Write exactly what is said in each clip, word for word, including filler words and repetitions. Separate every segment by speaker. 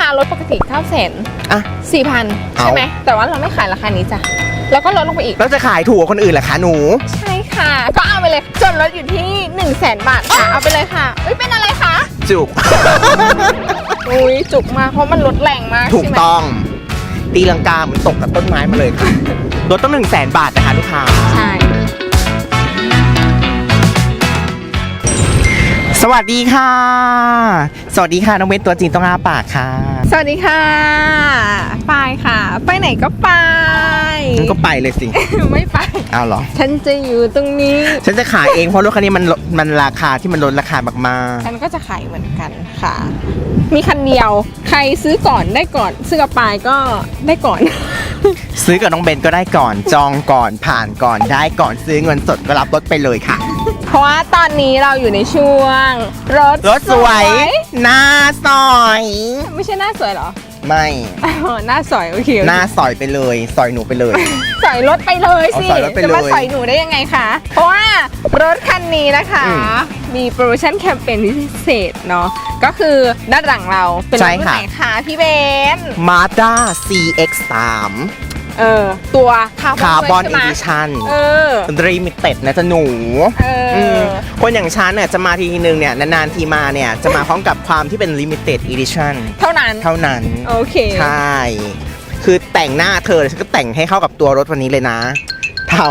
Speaker 1: ารถปกติเก้าแสน
Speaker 2: อ่ะ
Speaker 1: สี่พันใช่ไหมแต่ว่าเราไม่ขายราคานี้จ้ะแล้วก็ลดลงไปอีก
Speaker 2: แล้วจะขายถูกกว่าคนอื่นเหรอคะหนู
Speaker 1: ใช่ค่ะก็เอาไปเลยจนลดอยู่ที่หนึ่งแสนบาทค่ะเอาไปเลยค่ะอุ้ยเป็นอะไรคะ
Speaker 2: จุก
Speaker 1: อุ้ยจุกมากเพราะมันลดแรงมาก
Speaker 2: ถูก
Speaker 1: ใช่ไหม
Speaker 2: ต้องตีลังกาเหมือนตกกับต้นไม้มาเลยค่ะรถต้องหนึ่งแสนบาทนะคะลูกค้า
Speaker 1: ใช่
Speaker 2: สวัสดีค่ะ สวัสดีค่ะน้องเบนตัวจริงต้องอ้าปากค่ะ
Speaker 1: สวัสดีค่ะไปค่ะ ไปไหนก็ไป
Speaker 2: งั้นก็ไปเลยสิ
Speaker 1: ไม่ไป
Speaker 2: เอาเหรอ
Speaker 1: ฉันจะอยู่ตรงนี้
Speaker 2: ฉันจะขายเองเพราะรถคันนี้มันลดมันราคาที่มันลดราคามาก
Speaker 1: ฉันก็จะขายเหมือนกันค่ะ มีคันเดียวใครซื้อก่อนได้ก่อนซื้อกับปายก็ได้ก่อน
Speaker 2: ๆซื้อกับน้องเบนก็ได้ก่อนจองก่อนผ่านก่อนได้ก่อนซื้อเงินสดก็รับรถไปเลยค่ะ
Speaker 1: เพราะว่าตอนนี้เราอยู่ในช่วงรถ
Speaker 2: รถสวยหน้าสอย
Speaker 1: ไม่ใช่หน้าสวยเหรอ
Speaker 2: ไม่
Speaker 1: อ๋อหน้าสอยโอเคโอเค
Speaker 2: หน้าสอยไปเลยสอยหนูไปเลย
Speaker 1: สอยรถไปเลยสิ
Speaker 2: เอาสอยรถไปเลย
Speaker 1: จะมาสอยหนูได้ยังไงคะ เพราะว่ารถคันนี้นะคะ
Speaker 2: อืม
Speaker 1: มีโปรโมชั่นแคมเปญพิเศษเนาะก็คือด้านหลังเราเป็นร
Speaker 2: ใช่
Speaker 1: ถรุ่น
Speaker 2: ค่ะ
Speaker 1: ไหนคะพี่เบน
Speaker 2: Mazda ซี เอ็กซ์ สาม
Speaker 1: เออตัวคา
Speaker 2: คาร์บอน
Speaker 1: ใช่
Speaker 2: อี
Speaker 1: ไหม
Speaker 2: ดิชั่น
Speaker 1: เออ
Speaker 2: รีมิเต็ดนะจ๊ะหนู
Speaker 1: เออ
Speaker 2: มคนอย่างฉันเนี่ยจะมาทีนึงเนี่ยนานๆทีมาเนี่ยจะมาพร้อมกับความที่เป็นลิมิเต็ดอีดิชั่น
Speaker 1: เท่านั้น
Speaker 2: เท่านั้น
Speaker 1: โอเค
Speaker 2: ใช่ คือแต่งหน้าเธอฉันก็แต่งให้เข้ากับตัวรถวันนี้เลยนะ เท่า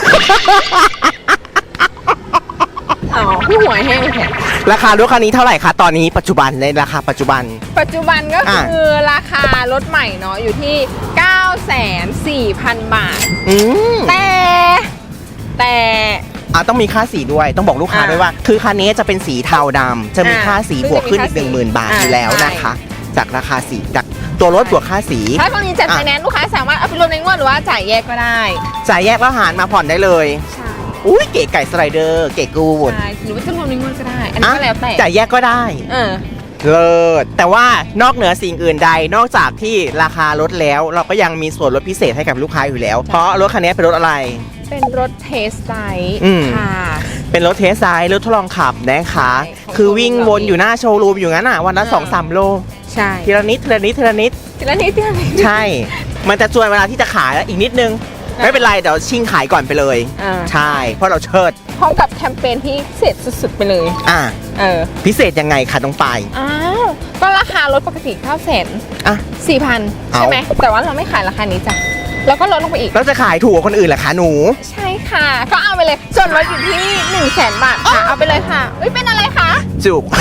Speaker 1: อ๋อพี่หัวแห้งแข็ง
Speaker 2: ราคารถคันนี้เท่าไหร่คะตอนนี้ปัจจุบันในราคาปัจจุบัน
Speaker 1: ปัจจุบันก็คือราคารถใหม่เนาะอยู่ที่ เก้าแสนสี่พัน บาท
Speaker 2: อืม
Speaker 1: แต่แต่
Speaker 2: อ่ะต้องมีค่าสีด้วยต้องบอกลูกค้า
Speaker 1: อ่า
Speaker 2: ด้วยว่า คือคันนี้จะเป็นสีเทาดำจะมี
Speaker 1: อ่า
Speaker 2: ค่าสี
Speaker 1: ซึ่ง
Speaker 2: บวกขึ้น
Speaker 1: จะมี
Speaker 2: อีกหนึ่งหมื่น
Speaker 1: ค่าสี
Speaker 2: บาทอยู่แล้ว
Speaker 1: อ่า
Speaker 2: นะคะ จากราคาสีจากตัวรถบวกค่าสี
Speaker 1: ถ้าตรงนี้จัด
Speaker 2: อ่ะ
Speaker 1: ไฟแนนซ์ลูกค้าสามารถเอาไปรวมในงวดหรือว่าจ่ายแยกก็ได้
Speaker 2: จ่ายแยกแล้วหารมาผ่อนได้เลย
Speaker 1: ใช่
Speaker 2: อุ้ยเก๋ไก่สไลเดอร์เก๋กูด
Speaker 1: ใช่หรือว่าจะรวมในงวดก็ได้ อันนี้ก็แล้วแต่
Speaker 2: จ่ายแยกก็ได้
Speaker 1: เออ
Speaker 2: เลิศแต่ว่านอกเหนือสิ่งอื่นใดนอกจากที่ราคาลดแล้ว เราก็ยังมีส่วนลดพิเศษให้กับลูกค้าอยู่แล้ว เพราะรถคันนี้เป็นรถอะไร
Speaker 1: เป็นรถเทสได
Speaker 2: อืม
Speaker 1: ค่ะ
Speaker 2: เป็นรถเทสไซด์รถทดลองขับนะคะ
Speaker 1: ใช่ของ
Speaker 2: คือวิ่งวนอยู่หน้าโชว์รูมอยู่งั้นอ่ะวันละ
Speaker 1: อ่า
Speaker 2: สองสามโล
Speaker 1: ใช่
Speaker 2: ทีละนิดทีละนิดทีละนิด
Speaker 1: ทีละนิดทีละนิด
Speaker 2: ใช่ มันจะจวนเวลาที่จะขายแล้วอีกนิดนึง
Speaker 1: อ่า
Speaker 2: ไม่เป็นไรเดี๋ยวชิงขายก่อนไปเลย
Speaker 1: อ่า
Speaker 2: ใช่ เพราะเราเชิด
Speaker 1: พร้อมกับแคมเปญที่พิเศษสุดๆไปเลย
Speaker 2: อ่ะ
Speaker 1: เออ
Speaker 2: พิเศษยังไงคะน้องปาย
Speaker 1: อ้าวก็ราคารถปกติเก้าแสน
Speaker 2: อ่ะ
Speaker 1: สี่พัน
Speaker 2: เอา
Speaker 1: ใช่ไหมแต่ว่าเราไม่ขายราคานี้จ้ะแล้วก็ลดลงไปอีก
Speaker 2: แล้วจะขายถูกกว่าคนอื่นเหรอคะหนู
Speaker 1: ใช่ค่ะ ก็เอาไปเลยจนลดอยู่ที่หนึ่งแสนบาทค่ะเอาไปเลยค่ะอุ้ยเป็นอะไรคะ
Speaker 2: จุก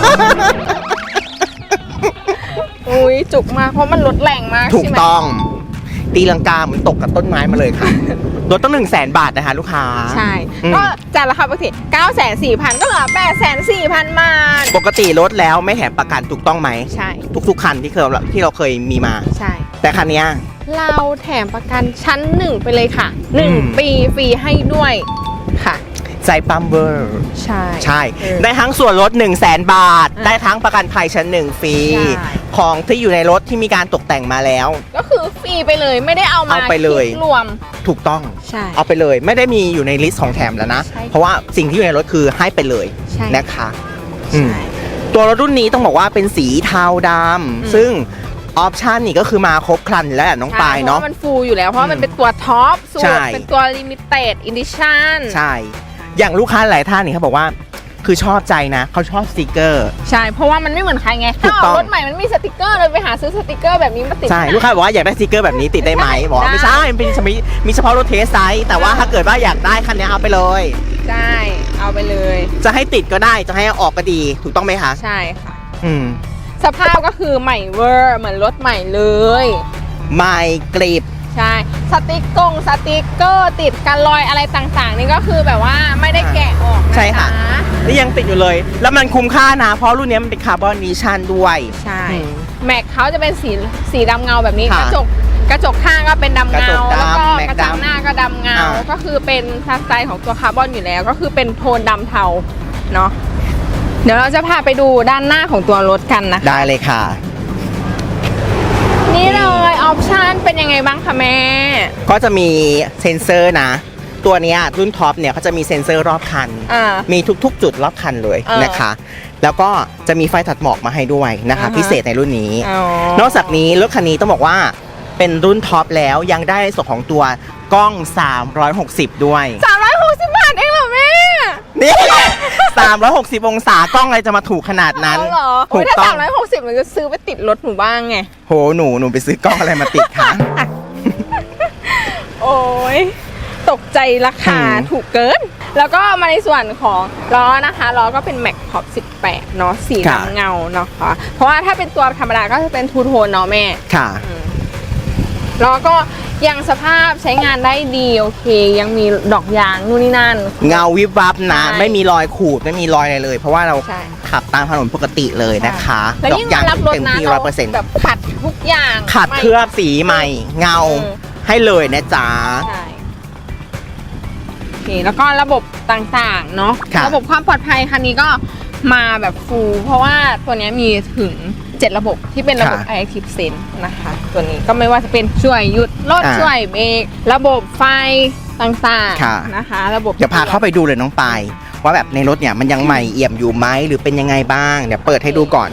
Speaker 1: อุ้ยจุกมากเพราะมันลดแรงมาก
Speaker 2: ถูก
Speaker 1: ใช่ไหม
Speaker 2: ต้อง ตีลังกาเหมือนตกกับต้นไม้มาเลยค่ะ รถต้องหนึ่งแสนบาทนะคะลูกค้า
Speaker 1: ใช่
Speaker 2: อืม
Speaker 1: ก็จากราคาปกติเก้าแสนสี่พันก็เหลือแปดแสนสี่พันบาท
Speaker 2: ปกติรถแล้วไม่แถมประกันถูกต้องไหม
Speaker 1: ใช่
Speaker 2: ทุกๆคันที่เคยที่เราเคยมีมา
Speaker 1: ใช่
Speaker 2: แต่คันเนี้ย
Speaker 1: เราแถมประกันชั้นหนึ่งไปเลยค่ะหนึ่ง
Speaker 2: อืม
Speaker 1: ปีฟรีให้ด้วยค่ะ
Speaker 2: ใจปั๊มเวอร์
Speaker 1: ใช่
Speaker 2: ใช่
Speaker 1: เออ
Speaker 2: ได้ทั้งส่วนลด1 0 0 0 0แสนบาท
Speaker 1: อ่ะ
Speaker 2: ได้ทั้งประกันภัยชั้นหนึ่งฟรี
Speaker 1: ใช่
Speaker 2: ของที่อยู่ในรถที่มีการตกแต่งมาแล้ว
Speaker 1: ก็คือฟรีไปเลยไม่ได้เอามา
Speaker 2: เอาไปเลย
Speaker 1: คิดรวม
Speaker 2: ถูกต้อง
Speaker 1: ใช่
Speaker 2: เอาไปเลยไม่ได้มีอยู่ในลิสต์ของแถมแล้วนะ
Speaker 1: ใช่
Speaker 2: เพราะว่าสิ่งที่อยู่ในรถคือให้ไปเลย
Speaker 1: ใช่
Speaker 2: นะคะอืม
Speaker 1: ใช่
Speaker 2: ตัวรถรุ่นนี้ต้องบอกว่าเป็นสีเทาดำซึ่งออปชันนี่ก็คือมาครบครันแล้วแหละน้องปายเนาะ
Speaker 1: ใช่เพราะว่ามันฟูลอยู่แล้วเพราะว่ามันเป็นตัวท็อปสุด
Speaker 2: ใช่
Speaker 1: เป็นตัวลิมิเต็ดอิดิชั่น
Speaker 2: ใช่ อย่างลูกค้าหลายท่านนี่เขาบอกว่าคือชอบใจนะเขาชอบสติกเกอร์
Speaker 1: ใช่เพราะว่ามันไม่เหมือนใครไง
Speaker 2: ถู
Speaker 1: ถ้าก
Speaker 2: ต้
Speaker 1: อ
Speaker 2: อง
Speaker 1: อกรถใหม่มันมีสติกเกอร์เลยไปหาซื้อสติกเกอร์แบบนี้มาติด
Speaker 2: ใช่ลูกค้าบอกว่าอยากได้สติกเกอร์แบบนี้ติดได้ไหมบอกว่าไม่ใช่มันเป็นมีมีเฉพาะรถเทสไซส์แต่ว่าถ้าเกิดว่าอยากได้คันนี้เอาไปเลย
Speaker 1: ได้เอาไปเลย
Speaker 2: จะให้ติดก็ได้จะให้ออกก็ดีถูกต้องไหมคะ
Speaker 1: ใช่ค่ะ
Speaker 2: อืม
Speaker 1: สภาพก็คือใหม่เวอร์เหมือนรถใหม่เลย
Speaker 2: ไม่กรีบ
Speaker 1: ใช่สติกกงสติกเกอร์ติดกันรอยอะไรต่างๆ นี่ก็คือแบบว่าไม่ได้แกะออกนะ
Speaker 2: ใช่ค่ะ นี่ยังติดอยู่เลย แล้วมันคุ้มค่านะ เพราะรุ่นนี้มันเป็นคาร์บอนดิชั่นด้วย
Speaker 1: ใช่
Speaker 2: อืม
Speaker 1: แม็กเขาจะเป็นสีสีดำเงาแบบนี้ก
Speaker 2: ค่ะ
Speaker 1: ระจกกระจกข้างก็เป็นดำ
Speaker 2: กระ
Speaker 1: เงา
Speaker 2: จกดำ
Speaker 1: แล้วก็
Speaker 2: แม็ก
Speaker 1: กระจัง
Speaker 2: ดำ
Speaker 1: หน้าก็ดำเงา
Speaker 2: อ่า
Speaker 1: ก็คือเป็นสไตล์ของตัวคาร์บอนอยู่แล้ว ก็คือเป็นโทนดำเทาเนาะเดี๋ยวเราจะพาไปดูด้านหน้าของตัวรถกันนะคะ
Speaker 2: ได้เลยค่ะ
Speaker 1: นี่เลยออปชันเป็นยังไงบ้างคะแม่
Speaker 2: ก็จะมีเซ็นเซอร์นะตัวเนี้ยรุ่นท็อปเนี่ยเขาจะมีเซ็นเซอร์รอบคัน
Speaker 1: อ่า
Speaker 2: มีทุกๆ จุดรอบคันเลย
Speaker 1: เออ
Speaker 2: นะคะ แล้วก็จะมีไฟตัดหมอกมาให้ด้วยนะคะ
Speaker 1: อ่าฮะ
Speaker 2: พิเศษในรุ่นนี้
Speaker 1: อ๋อน
Speaker 2: อกจากนี้รถคันนี้ต้องบอกว่าเป็นรุ่นท็อปแล้วยังได้ในส่วนของตัวกล้อง สามร้อยหกสิบ ด้วย
Speaker 1: สามร้อยหกสิบบาทเองเหรอแม่
Speaker 2: นี่ สามร้อยหกสิบ องศากล้องอะไรจะมาถูกขนาดนั้น
Speaker 1: เอาเหรอ
Speaker 2: ถู
Speaker 1: โอ้ย
Speaker 2: ก
Speaker 1: ถ้า
Speaker 2: ต้อ
Speaker 1: สาง มร้อยหกสิบมันจะซื้อไปติดรถหนูบ้างไง
Speaker 2: โหหนูหนูไปซื้อกล้องอะไรมาติดคะ
Speaker 1: โอ้ยตกใจราคา
Speaker 2: อืม
Speaker 1: ถูกเกิน แล้วก็มาในส่วนของล้อนะคะล้อก็เป็นแม็กท็อปสิบแปดเนาะสีดำเงาเนาะค่ะเพราะว่าถ้าเป็นตัวธรรมดาก็จะเป็นทูโทนเนาะแม่
Speaker 2: ค่ะ
Speaker 1: ล้อก็ยังสภาพใช้งานได้ดีโอเค ยังมีดอกยางนู่นนี่นั่น
Speaker 2: เงาวิบวับนะ
Speaker 1: ใช่
Speaker 2: ไม่มีรอยขูดไม่มีรอยอะไรเลย เพราะว่าเรา
Speaker 1: ใช่
Speaker 2: ขับตามถนนปกติเลยนะคะ
Speaker 1: แล้วยิ่งมารับรถ
Speaker 2: เต็ม
Speaker 1: นะ
Speaker 2: ที่ร้อยเปอร์เซ็นต์
Speaker 1: แบบขัดทุกอย่าง
Speaker 2: ขัดเคลือบสีใหม่เงา
Speaker 1: เออ
Speaker 2: ให้เลยนะจ๊ะ
Speaker 1: ใช่โอเคแล้วก็ระบบต่างๆเนาะ
Speaker 2: ค่ะ
Speaker 1: ระบบความปลอดภัยคันนี้ก็มาแบบฟูลเพราะว่าตัวเนี้ยมีถึงเจ็ดระบบที่เป็นระบบ Active Sense นะคะ ตัวนี้ก็ไม่ว่าจะเป็นช่วยหยุดรถช่วยเบรกระบบไฟต่างๆนะคะ ระบบ
Speaker 2: เดี๋ยวพาเข้าไปดูเลยน้องปายว่าแบบในรถเนี่ยมันยังใหม่เอี่ยมอยู่ไหมหรือเป็นยังไงบ้างเดี๋ยวเปิดให้ดูก่อน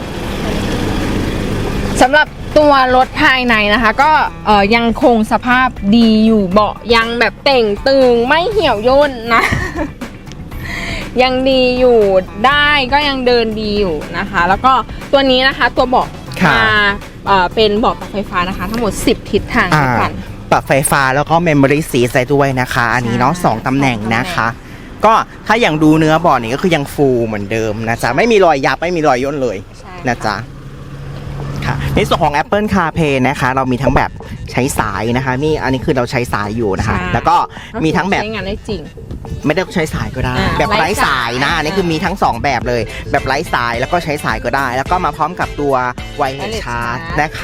Speaker 1: สำหรับตัวรถภายในนะคะ ก็เอ่อยังคงสภาพดีอยู่เบาะยังแบบเต่งตึงไม่เหี่ยวย่นนะ ยังดีอยู่ได้ก็ยังเดินดีอยู่นะคะ แล้วก็ตัวนี้นะคะตัวเบาะ
Speaker 2: ค่ะ
Speaker 1: มาเอ่อเป็นเบาะปรับไฟฟ้านะคะ ทั้งหมดสิบทิศทางด้วยกัน
Speaker 2: ปรับไฟฟ้าแล้วก็เมมโมรี่ซีใส่ด้วยนะคะ อันนี้เนาะ
Speaker 1: ใช่
Speaker 2: สองตำแหน่ง
Speaker 1: สองตำแหน่ง
Speaker 2: นะคะ ก็ถ้าอย่างดูเนื้อเบาะนี่ก็คือยังฟูเหมือนเดิมนะจ๊ะไม่มีรอยยับไม่มีรอยย่นเลย
Speaker 1: ใช่
Speaker 2: นะจ๊ะค่ะในส่วนของ Apple CarPlay นะคะ เรามีทั้งแบบใช้สายนะคะนี่อันนี้คือเราใช้สายอยู่นะคะ
Speaker 1: ใช่
Speaker 2: แล้วก็มีทั้งแบบ
Speaker 1: ใช้งานได้จริง
Speaker 2: ไม่ได้ใช้สายก็ได้
Speaker 1: อ่า
Speaker 2: แบบไร้
Speaker 1: ไร้
Speaker 2: สา
Speaker 1: สาย ย
Speaker 2: นะอันนี้คือมีทั้งสองแบบเลย แบบไร้สายแล้วก็ใช้สายก็ได้ แล้วก็มาพร้อมกับตัวไวเลส
Speaker 1: Wireless
Speaker 2: ชาร์จ
Speaker 1: Charge
Speaker 2: นะคะ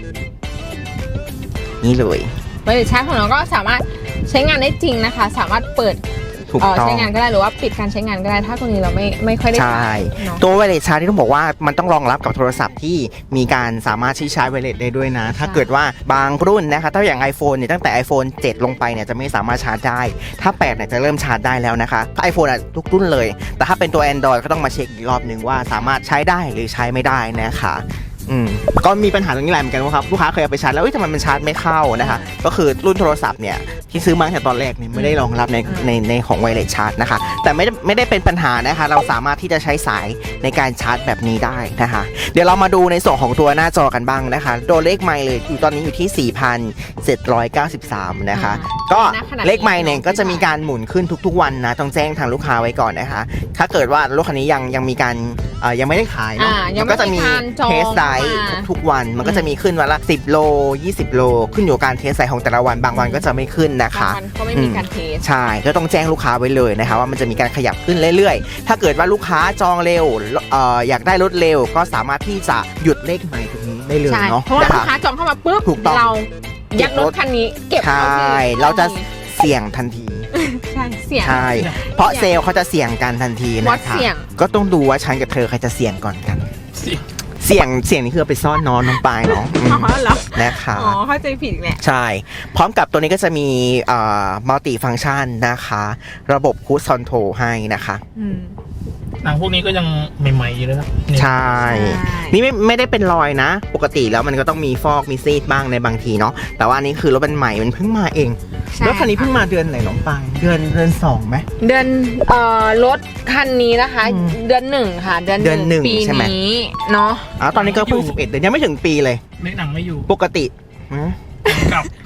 Speaker 2: นี่เลย
Speaker 1: ไวเลสชาร์จของเราก็สามารถใช้งานได้จริงนะคะ สามารถเปิด
Speaker 2: ถูก
Speaker 1: เอ่อ
Speaker 2: ต้อง
Speaker 1: ใช้งานก็ได้หรือว่าปิดการใช้งานก็ได้ถ้าตัวนี้เราไม่ไม่ค่อยได้
Speaker 2: ใช่
Speaker 1: เนาะ
Speaker 2: ตัวไวเลสชาร์จที่ต้องบอกว่ามันต้องรองรับกับโทรศัพท์ที่มีการสามารถที่ชาร์จไวเลสได้ด้วยนะ ถ้าเกิดว่าบางรุ่นนะคะถ้าอย่าง iPhone เนี่ยตั้งแต่ iPhone เจ็ด ลงไปเนี่ยจะไม่สามารถชาร์จได้ ถ้าแปดเนี่ยจะเริ่มชาร์จได้แล้วนะคะถ้า iPhone อ่ะทุกรุ่นเลย แต่ถ้าเป็นตัว Android ก็ต้องมาเช็คอีกรอบหนึ่งว่าสามารถใช้ได้หรือใช้ไม่ได้นะคะอืมก็มีปัญหาตรงนี้แหละเหมือนกันว่าครับลูกค้าเคยเอาไปชาร์จแล้วเอ้ยทำไมมันชาร์จไม่เข้านะคะก็คือรุ่นโทรศัพท์เนี่ยที่ซื้อมาตั้งแต่ตอนแรกเนี่ยไม่ได้รองรับในในในของไวเลสชาร์จนะคะแต่ไม่ได้ไม่ได้เป็นปัญหานะคะเราสามารถที่จะใช้สายในการชาร์จแบบนี้ได้นะคะเดี๋ยวเรามาดูในส่วนของตัวหน้าจอกันบ้างนะคะตัวเลขไมล์เลยอยู่ตอนนี้อยู่ที่ สี่พันเจ็ดร้อยเก้าสิบสาม นะคะก็เลขไมล์เนี่ยก็จะมีการหมุนขึ้นทุกๆวันนะต้องแจ้งทางลูกค้าไว้ก่อนนะคะถ้าเกิดว่ารถคันนี้ยังยังมีการเอ่อยังไม่ได้ขายเนาะ
Speaker 1: อ่ายัง
Speaker 2: มัน
Speaker 1: ไม่
Speaker 2: ก็จะมี
Speaker 1: การจอง
Speaker 2: เทสไดรฟ์
Speaker 1: มา
Speaker 2: ทุกๆวันมันก็จะมีขึ้นวันละสิบโลยี่สิบโลขึ้นอยู่กับการเทสไซส์ของแต่ละวันบางวันก็จะไม่ขึ้นนะคะ
Speaker 1: บางวันก็ไม่มีการเทส
Speaker 2: ใช่ก็ต้องแจ้งลูกค้าไว้เลยนะคะว่ามันจะมีการขยับขึ้นเรื่อยๆ ถ้าเกิดว่าลูกค้าจองเร็วเอ่ออยากได้รถเร็วก็สามารถที่จะหยุดเลขใหม่ตรงนี้ได้เลย
Speaker 1: ใช่
Speaker 2: เนาะ
Speaker 1: เพราะว่า
Speaker 2: นะ
Speaker 1: ลูก
Speaker 2: คะ
Speaker 1: ค้าจองเข้ามาปุ๊บ
Speaker 2: ถูกต้อง
Speaker 1: เรายัดรถคันนี้เก็บ
Speaker 2: ใช่
Speaker 1: เข้าที่
Speaker 2: เราจะเสี่ยงทันที
Speaker 1: ใช่เสี่ยง
Speaker 2: ใช่ เพราะเซลล์เขาจะเสี่ยงกันทันที
Speaker 1: วั
Speaker 2: นะ
Speaker 1: ด
Speaker 2: คะ
Speaker 1: เสี่ยง
Speaker 2: ก็ต้องดูว่าฉันกับเธอใครจะเสี่ยงก่อนกัน เสี่ยงเสี่ยงนี่คือเอาไปซ่อนนอนน้องปลายเนาะอืม
Speaker 1: อ๋อเหรอ
Speaker 2: นะคะ
Speaker 1: อ๋อเข้าใจผิดอีกแหละ
Speaker 2: ใช่ พร้อมกับตัวนี้ก็จะมีมัลติฟัง c t ชันนะคะ ระบบคู e คอนโทรลให้นะคะ
Speaker 1: อืม
Speaker 3: หนังพวกนี้ก็ยังใหม่ๆอยู่เลยนะนี่
Speaker 2: ใช่
Speaker 1: ใช่
Speaker 2: นี่ไม่ไม่ได้เป็นรอยนะ ปกติแล้วมันก็ต้องมีฟอกมีซีดบ้างในบางทีเนาะแต่ว่าอันนี้คือรถเป็นใหม่มันเพิ่งมาเอง
Speaker 1: ใช่
Speaker 2: รถคันนี้เพิ่งมาเดือนไหนน้องปลายเดือนเดือนสองไหม
Speaker 1: เดือนเอ่อรถคันนี้นะคะ
Speaker 2: อืม
Speaker 1: เดือนหนึ่งค่ะ เดือน
Speaker 2: เดือนหนึ่ง
Speaker 1: ปี
Speaker 2: ใช่ไหม
Speaker 1: นี้เนาะ
Speaker 2: อ๋อตอนนี้ก็เพิ่งสิบเอ็ดเดือนยังไม่ถึงปีเลย
Speaker 3: เล็กหนังไม่อยู่
Speaker 2: ปกติฮะ
Speaker 3: กลับ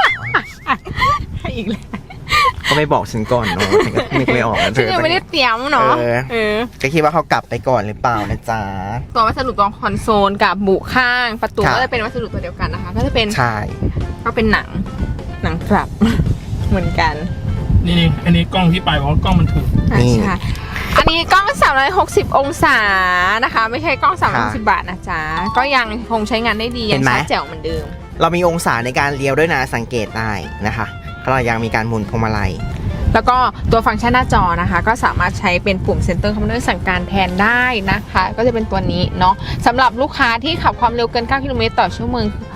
Speaker 1: อีกแล้ว
Speaker 2: ก็ไม่บอกฉันก่อนเนาะฉันก็นึกไม่ออกนะเธ
Speaker 1: ฉัน
Speaker 2: อ
Speaker 1: ยังไม่ได้เตรียมเนาะ
Speaker 2: เออ
Speaker 1: เออ
Speaker 2: ก็คิดว่าเขากลับไปก่อนหรือเปล่านะจ๊ะ
Speaker 1: ตัววัสดุตรงคอนโซลกับบุข้างประตู
Speaker 2: ครับ
Speaker 1: ก็จะเป็นวัสดุตัวเดียวกันนะคะ ก็จะเป็น
Speaker 2: ใช่
Speaker 1: ก็เป็นหนังหนังกลับ เหมือนกัน
Speaker 3: นี่นี่อันนี้กล้องที่ไปบอกว่ากล้องมันถูก
Speaker 1: อ่ะใช่อันนี้กล้องสามร้อยหกสิบองศานะคะ ไม่ใช่กล้องสามร้อยหกสิบบาทนะจ๊ะก็ยังคงใช้งานได้ดียังชัดแจ๋วเหมือนเดิม
Speaker 2: เรามีองศาในการเลี้ยวด้วยนะสังเกตได้นะคะเรายังมีการหมุนพวงมาลัย
Speaker 1: แล้วก็ตัวฟังก์ชันหน้าจอนะคะ ก็สามารถใช้เป็นปุ่ม Center Commander สั่งการแทนได้นะคะ ก็จะเป็นตัวนี้เนาะสำหรับลูกค้าที่ขับความเร็วเกินเก้ากิโลเมตรต่อชั่วโมง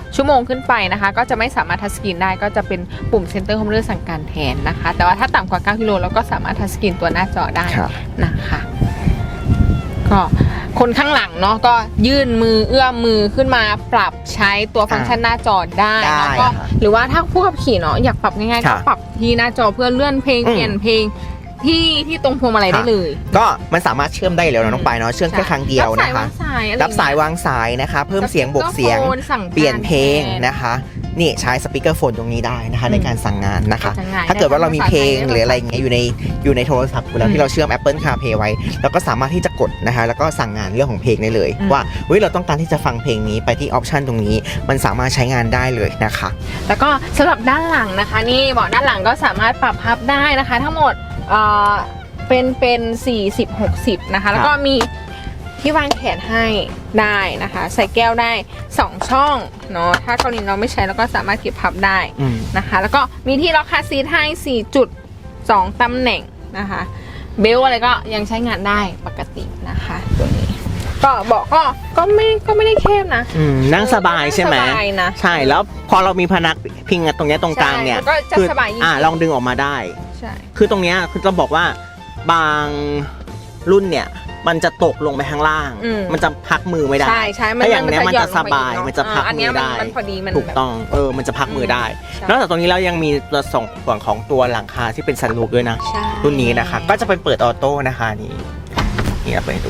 Speaker 1: ชั่วโมงขึ้นไปนะคะก็จะไม่สามารถทัชสกรีนได้ก็จะเป็นปุ่ม Center Home เลือกสั่งการแทนนะคะแต่ว่าถ้าต่ำกว่าเก้ากิโลเราก็สามารถทัชสกรีนตัวหน้าจอได้นะคะก็คนข้างหลังเนาะก็ยื่นมือเอื้อมมือขึ้นมาปรับใช้ตัวฟังก์ชันหน้าจอได้แล้วก็หรือว่าถ้าผู้ขับขี่เนาะอยากปรับง่ายๆก็ปรับที่หน้าจอเพื่อเลื่อนเพลงเปลี่ยนเพลงที่ที่ตรงพวงมาลัยได้เลย
Speaker 2: ก็มันสามารถเชื่อมได้แล้วนะน้องปายเนาะเชื่อมแค่ครั้งเดียวนะคะรับสายวางสายนะคะเพิ่มเสียงบวกเสียงเปลี่ยนเพลงนะคะนี่ใช้สปีกเกอร์โฟนตรงนี้ได้นะคะในการสั่งงานนะคะถ้าเกิดว่าเรามีเพลงหรืออะไรอย่างเงี้ยอยู่ในอยู่ในโทรศัพท์อยู่แล้วที่เราเชื่อม Apple CarPlay ไว้เราก็สามารถที่จะกดนะคะแล้วก็สั่งงานเรื่องของเพลงได้เลยว่าเฮ้ยเราต้องการที่จะฟังเพลงนี้ไปที่ออปชันตรงนี้มันสามารถใช้งานได้เลยนะคะ
Speaker 1: แล้วก็สำหรับด้านหลังนะคะนี่เบาะด้านหลังก็สามารถปรับพับได้นะคะทั้งหมดเอ่อเป็นเป็นสี่สิบ หกสิบนะคะแล้วก็มีที่วางแขนให้ได้นะคะใส่แก้วได้สองช่องเนาะถ้ากรณีเราไม่ใช้เราก็สามารถเก็บพับได้นะคะแล้วก็มีที่ล็อกคาร์ซีทให้ สี่จุดสอง ตำแหน่งนะคะเบลอะไรก็ยังใช้งานได้ปกตินะคะตัวนี้ก็เบาะก็ก็ไม่ก็ไม่ได้แคบนะ
Speaker 2: นั่งสบายใช่ไหมใช่แล้วพอเรามีพนักพิงตรงนี้ตรงกลางเนี่ย
Speaker 1: ก็จะสบายยิ่ง
Speaker 2: อ่าลองดึงออกมาได้
Speaker 1: ใช่
Speaker 2: คือตรงเนี้ยคือจะบอกว่าบางรุ่นเนี่ยมันจะตกลงไปข้างล่างมันจะพักมือไม่ได้
Speaker 1: ใช่ใช่
Speaker 2: ถ้าอย่างเนี้ยมันจะสบายมันจะพักมือได้ถูกต้องเออมันจะพักมือได้นอกจากตรงนี้แล้วยังมีตัวส่งส่วนของตัวหลังคาที่เป็นซันรูฟด้วยนะรุ่นนี้นะคะก็จะเป็นเปิดออโต้นะคะนี่นี่เราไปดู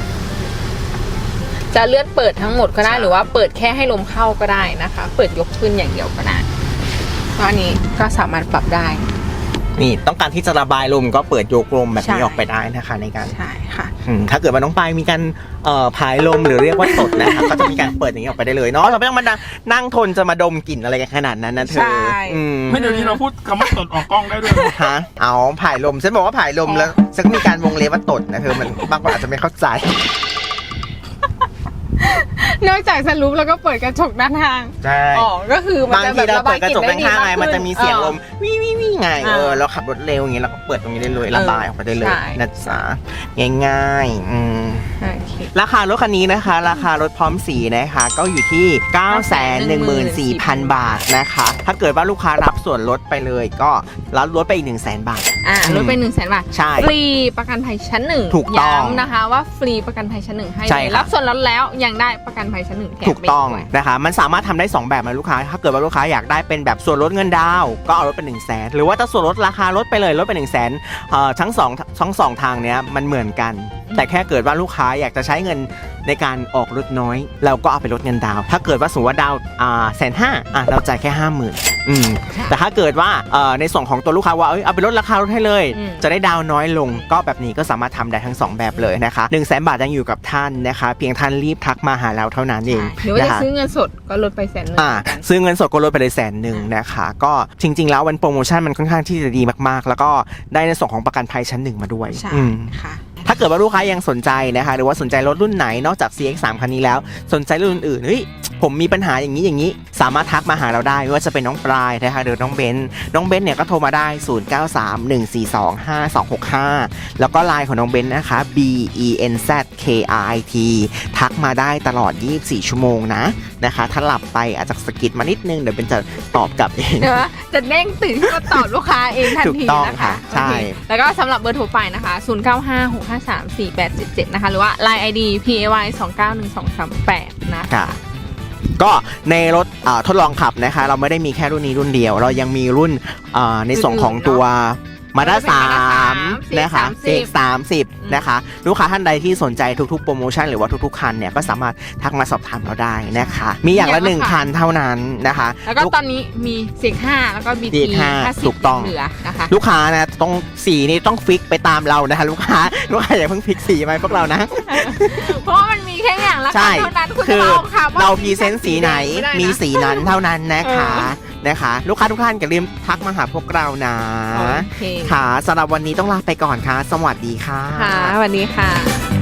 Speaker 1: จะเลื่อนเปิดทั้งหมดก็ได้หรือว่าเปิดแค่ให้ลมเข้าก็ได้นะคะเปิดยกขึ้นอย่างเดียวก็ได้ก็อันนี้ก็สามารถปรับได้
Speaker 2: นี่ต้องการที่จะระบายลมก็เปิดโยกลมแบบนี้ออกไปได้นะคะในการ
Speaker 1: ใช่ค่ะ
Speaker 2: ถ้าเกิดว่าน้องปายมีการผายลมหรือเรียกว่าตดนะคะก็จะมีการเปิดอย่างนี้ออกไปได้เลยเนาะเราไม่ต้องมานั่งทนจะมาดมกลิ่นอะไรกันขนาดนั้นนะเธอ
Speaker 3: ไม่เดี๋ยวนี้เราพูดคำว่าตดออกกล้องได้ด้วย
Speaker 2: ฮะเอาผายลมฉันบอกว่าผายลมแล้วฉันก็มีการวงเล็บว่าตดนะเธอมันบางคนอาจจะไม่เข้าใจ
Speaker 1: นอกจากสรุปแล้วก็เปิดกระจกด้านข้าง
Speaker 2: ใช่
Speaker 1: อ๋อก็คือ
Speaker 2: มันจะแบบระบายกลิ่นได้ดีมากขึ้นมันจะมีเสียงลมวิววิววิวไงเออเราขับรถเร็วอย่างเงี้ยเราก็เปิดตรงนี้ได้เลยระบายออกไปได้เลยนะจ๊ะง่ายๆอืมราคารถคันนี้นะคะราคารถพร้อมสีนะคะก็อยู่ที่ เก้าแสนหนึ่งหมื่นสี่พัน บาทนะคะถ้าเกิดว่าลูกค้ารับส่วนลดไปเลยก็รับลดไปอีก หนึ่งแสน บาท
Speaker 1: อ่าลดไป หนึ่งแสน บาท
Speaker 2: ใช่
Speaker 1: ฟรีประกันภัยชั้นหนึ่ง
Speaker 2: ถูกต้อง
Speaker 1: ย้ำนะคะว่าฟรีประกันภัยชั้นหนึ่งให้รับส่วนลดแล้วยังได้ประกันภัยชั้นหนึ่งแถม
Speaker 2: ถูกต้องนะคะมันสามารถทำได้สองแบบนะลูกค้าถ้าเกิดว่าลูกค้าอยากได้เป็นแบบส่วนลดเงินดาวก็เอาลดเป็นหนึ่งแสนหรือว่าถ้าส่วนลดราคาลดไปเลยลดเป็นหนึ่งแสนทั้งสองทั้งสองทางเนี้ยมันเหมือนกันแต่แค่เกิดว่าลูกค้าอยากจะใช้เงินในการออกรถน้อยเราก็เอาไปลดเงินดาวถ้าเกิดว่าสมมติว่าดาวอ่าแสนห้าอ่ะเราจ่ายแค่ห้าหมื่นอืมแต่ถ้าเกิดว่าในส่วนของตัวลูกค้าว่าเอ้ยเอาไปลดราคาลดให้เลยจะได้ดาวน้อยลงก็แบบนี้ก็สามารถทำได้ทั้งสองแบบเลยนะคะหนึ่งแสนบาทยังอยู่กับท่านนะคะเพียงท่านรีบทักมาหาเราเท่านั้นเอง
Speaker 1: หรือว่าจะซื้อเงินสดก็ลดไปแสนหนึ่ง
Speaker 2: อ่าซื้อเงินสดก็ลดไปเลยแสนหนึ่งนะคะก็จริงๆแล้ววันโปรโมชั่นมันค่อนข้างที่จะดีมากๆแล้วก็ได้ในส่วนของประกันภัยชั้นหนึ่งมาด้วย
Speaker 1: ใช่ค่ะ
Speaker 2: ถ้าเกิดว่าลูกค้ายังสนใจนะคะหรือว่าสนใจรถรุ่นไหนนอกจาก ซี เอ็กซ์ สาม คันนี้แล้วสนใจรุ่นอื่นๆเฮ้ยผมมีปัญหาอย่างนี้อย่างนี้สามารถทักมาหาเราได้ไม่ว่าจะเป็นน้องปลายนะคะหรือน้องเบนน้องเบนเนี่ยก็โทรมาได้ศูนย์ เก้า สาม หนึ่ง สี่ สอง ห้า สอง หก ห้าแล้วก็ไลน์ของน้องเบนนะคะ B E N Z K R I T ทักมาได้ตลอดยี่สิบสี่ชั่วโมงนะนะคะถ้าหลับไปอาจจะสะกิดมานิดนึงเดี๋ยวเบนจะตอบกลับเอง
Speaker 1: จะเด้งตื่นขึ้นมาตอบลูกค้าเองทันทีนะคะ
Speaker 2: ใช่
Speaker 1: แล้วก็สำหรับเบอร์โทรไปนะคะศูนย์ เก้า ห้า หก ห้า สาม สี่ แปด เจ็ด เจ็ดนะคะหรือว่า ไลน์ ไอ ดี พี เอ วาย สอง เก้า หนึ่ง สอง สาม แปดนะคะ
Speaker 2: ก็ในรถทดลองขับนะคะเราไม่ได้มีแค่รุ่นนี้รุ่นเดียวเรายังมีรุ่นในส่วนของตัวมาด้าสามนะคะ ซี เอ็กซ์ สามสิบนะคะลูกค้าท่านใดที่สนใจทุกๆโปรโมชั่นหรือว่าทุกๆคันเนี่ยก็สามารถทักมาสอบถามเราได้นะคะมีอย่างละหนึ่งคันเท่านั้นนะคะ
Speaker 1: แล้วก็ตอนนี้มี ซี เอ็กซ์ ห้าแล้วก็ บี ที ห้าสิบ
Speaker 2: ถูกต้องนะคะลูกค้านะต้องสีนี้ต้องฟิกไปตามเรานะคะลูกค้าลูกค้าอย่าเพิ่งฟิกสีไหมพวกเรานะ
Speaker 1: เพราะมันมีแค่อย่างละคันเท่านั้น
Speaker 2: คือเราพรีเซนต์สีไหนมีสีนั้นเท่านั้นนะคะนะคะลูกค้าทุกท่านอย่าลืมทักมาหาพวกเรานะค่ะสำหรับวันนี้ต้องลาไปก่อนค่ะสวัสดีค่ะ
Speaker 1: ค่ะสวัสดีค่ะ